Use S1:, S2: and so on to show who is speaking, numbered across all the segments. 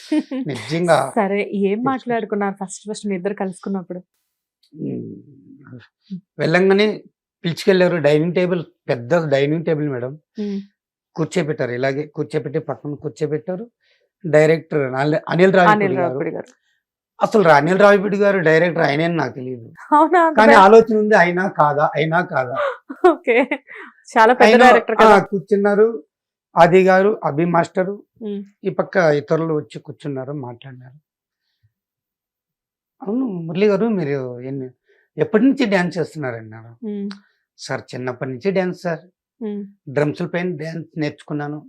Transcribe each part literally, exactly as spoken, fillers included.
S1: నిజంగా.
S2: సరే ఏం మాట్లాడుకున్నారు ఫస్ట్ ఫస్ట్ మీ ఇద్దరు కలుసుకున్నప్పుడు?
S1: వెళ్ళంగానే పిలుచుకెళ్ళారు. డైనింగ్ టేబుల్, పెద్ద డైనింగ్ టేబుల్ మేడం. కూర్చోబెట్టారు, ఇలాగే కూర్చోబెట్టి పక్కన కూర్చోబెట్టారు. డైరెక్టర్ అనిల్ రావిపూడి గారు. అసలు అనిల్ రావిపూడి గారు డైరెక్టర్ ఆయనే నాకు తెలియదు, కానీ ఆలోచన ఉంది అయినా కాదా అయినా కాదా.
S2: చాలా పెద్ద డైరెక్టర్
S1: కూర్చున్నారు. ఆది గారు, అభి మాస్టరు, ఈ పక్క ఇతరులు వచ్చి కూర్చున్నారు, మాట్లాడినారు. అవును మురళి గారు, మీరు ఎన్ని ఎప్పటి నుంచి డ్యాన్స్ చేస్తున్నారన్నారు. సార్ చిన్నప్పటి నుంచి డ్యాన్స్ సార్, డ్రమ్స్ పైన డ్యాన్స్ నేర్చుకున్నాను.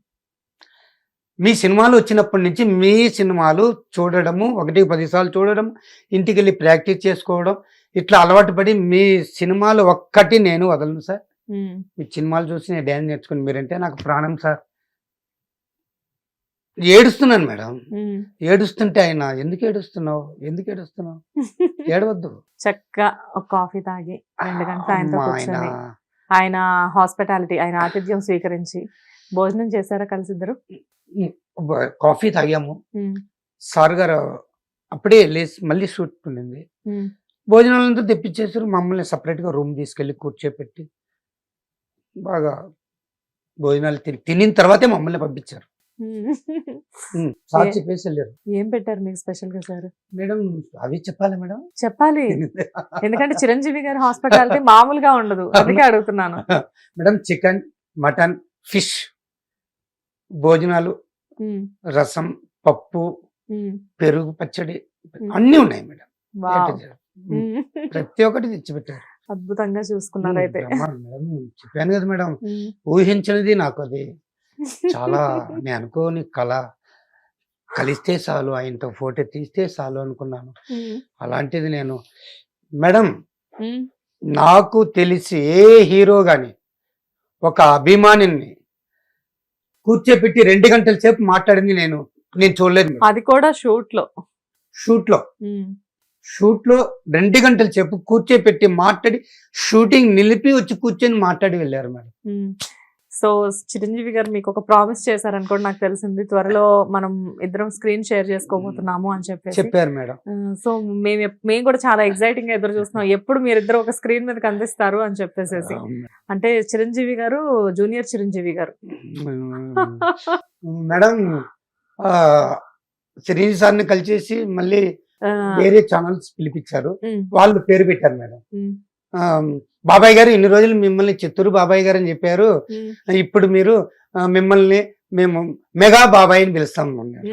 S1: మీ సినిమాలు వచ్చినప్పటి నుంచి మీ సినిమాలు చూడడము, ఒకటి పదిసార్లు చూడడం, ఇంటికి వెళ్ళి ప్రాక్టీస్ చేసుకోవడం, ఇట్లా అలవాటు పడి మీ సినిమాలు ఒక్కటి నేను వదలను సార్. మీ సినిమాలు చూసి నేను డ్యాన్స్ నేర్చుకుని, మీరంటే నాకు ప్రాణం సార్. ఏడుస్తున్నాను మేడం. ఏడుస్తుంటే ఆయన ఎందుకు ఏడుస్తున్నావు ఎందుకు ఏడుస్తున్నావు ఏడవద్దు.
S2: చక్కగా ఒక కాఫీ తాగి రెండు గంటలు ఆయనతో కూర్చొని, ఆయన హాస్పిటాలిటీ, ఆయన ఆతిథ్యం స్వీకరించి భోజనం చేశారా కలిసి ఇద్దరు?
S1: కాఫీ తాగాము. సార్ గారు అప్పుడే లేచి మళ్ళీ షూట్ ఉండింది. భోజనాలంతా తెప్పించేసారు. మమ్మల్ని సపరేట్ గా రూమ్ తీసుకెళ్లి కూర్చోపెట్టి బాగా భోజనాలు తిని తినిన తర్వాతే మమ్మల్ని పంపించారు. సార్ చెప్పేసి వెళ్ళారు.
S2: ఏం పెట్టారు మీకు స్పెషల్ గా సార్?
S1: మేడం అవి చెప్పాలి మేడం.
S2: చెప్పాలి, ఎందుకంటే చిరంజీవి గారి హాస్పిటాలిటీ మామూలుగా ఉండదు, అందుకే అడుగుతున్నాను.
S1: మేడం చికెన్, మటన్, ఫిష్ భోజనాలు, రసం, పప్పు, పెరుగు, పచ్చడి అన్ని ఉన్నాయి మేడం. ప్రతి ఒక్కటి తెచ్చిపెట్టారు.
S2: అద్భుతంగా చూసుకున్నారు అయితే.
S1: మేడం చెప్పాను కదా మేడం, ఊహించినది నాకు అది చాలా, నేను అనుకోని కళ. కలిస్తే చాలు, ఆయనతో ఫోటో తీస్తే చాలు అనుకున్నాను. అలాంటిది నేను మేడం, నాకు తెలిసి ఏ హీరో గాని ఒక అభిమానిని కూర్చోపెట్టి రెండు గంటల సేపు మాట్లాడింది నేను నేను చూడలేదు.
S2: అది కూడా షూట్ లో
S1: షూట్ లో షూట్ లో రెండు గంటల సేపు కూర్చోపెట్టి మాట్లాడి, షూటింగ్ నిలిపి వచ్చి కూర్చొని మాట్లాడి వెళ్ళారు మేడం.
S2: సో చిరంజీవి గారు మీకు ఒక ప్రామిస్ చేశారనుకోండి, నాకు తెలిసింది, త్వరలో మనం ఇద్దరం స్క్రీన్ షేర్ చేసుకోబోతున్నాము అని చెప్పి
S1: చెప్పారు మేడం.
S2: సో మేము మేము కూడా చాలా ఎక్సైటింగ్ గా ఎదురు చూస్తున్నాం, ఎప్పుడు మీరిద్దరు ఒక స్క్రీన్ మీద కనిపిస్తారు అని చెప్పేసి. అంటే చిరంజీవి గారు జూనియర్ చిరంజీవి గారు.
S1: మేడం చిరంజీవి సార్ని కలిసేసి మళ్ళీ వేరే ఛానల్స్ పిలిపించారు, వాళ్ళు పేరు పెట్టారు మేడం. బాబాయ్ గారు ఇన్ని రోజులు మిమ్మల్ని చిత్తూరు బాబాయ్ గారు అని చెప్పారు, ఇప్పుడు మీరు మిమ్మల్ని మేము మెగా బాబాయ్ అని పిలుస్తాం.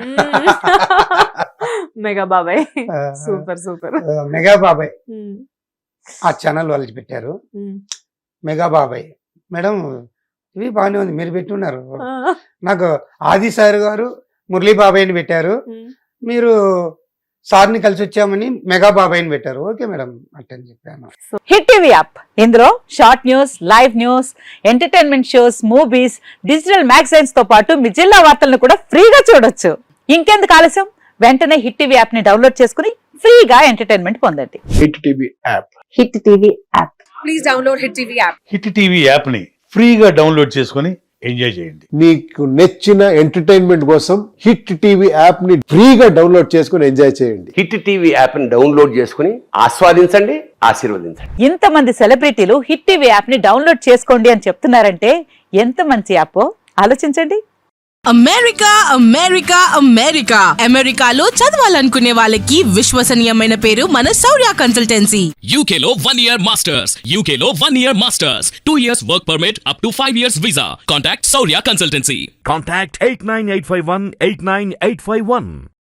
S2: మెగా బాబాయ్, సూపర్ సూపర్.
S1: మెగా బాబాయ్ ఆ ఛానల్ వాళ్ళు పెట్టారు, మెగా బాబాయ్. మేడం ఇవి బాగానే ఉంది, మీరు పెట్టున్నారు. నాకు ఆది సార్ గారు మురళీ బాబాయ్ అని పెట్టారు, మీరు సార్ని కలిసి వచ్చామని మెగా బాబాయ్ని పెట్టారు. ఓకే మేడం అట్టని చెప్పాను.
S3: హిట్ టీవీ యాప్, ఇందులో short news, live news, entertainment shows, movies, digital magazines తో పాటు మీ జిల్లా వార్తలను కూడా ఫ్రీగా చూడొచ్చు. ఇంకెందుకు ఆలస్యం, వెంటనే హిట్ టీవీ యాప్ ని డౌన్లోడ్ చేసుకుని ఫ్రీగా ఎంటర్టైన్మెంట్ పొందండి.
S4: Hit TV app,
S3: hit TV app,
S2: please download hit TV app.
S5: Hit TV app ని ఫ్రీగా డౌన్లోడ్ చేసుకుని ఎంజాయ్ చేయండి.
S4: మీకు నచ్చిన ఎంటర్టైన్మెంట్ కోసం హిట్ టీవీ యాప్ ని ఫ్రీగా డౌన్లోడ్ చేసుకుని ఎంజాయ్ చేయండి.
S6: హిట్ టీవీ యాప్ ని డౌన్లోడ్ చేసుకుని ఆస్వాదించండి, ఆశీర్వదించండి.
S3: ఇంతమంది సెలబ్రిటీలు హిట్ టీవీ యాప్ ని డౌన్లోడ్ చేసుకోండి అని చెప్తున్నారంటే ఎంత మంచి యాప్ ఆలోచించండి.
S7: అమెరికా అమెరికా అమెరికా అమెరికాలో చదవాలనుకునే వాళ్ళకి విశ్వసనీయమైన పేరు మన శౌర్య కన్సల్టెన్సీ.
S8: యూకేలో వన్ ఇయర్ మాస్టర్స్, యూకేలో one year masters, two years work permit, up to five years visa. Contact Shaurya consultancy.
S9: Contact eight nine eight five one eight nine eight five one.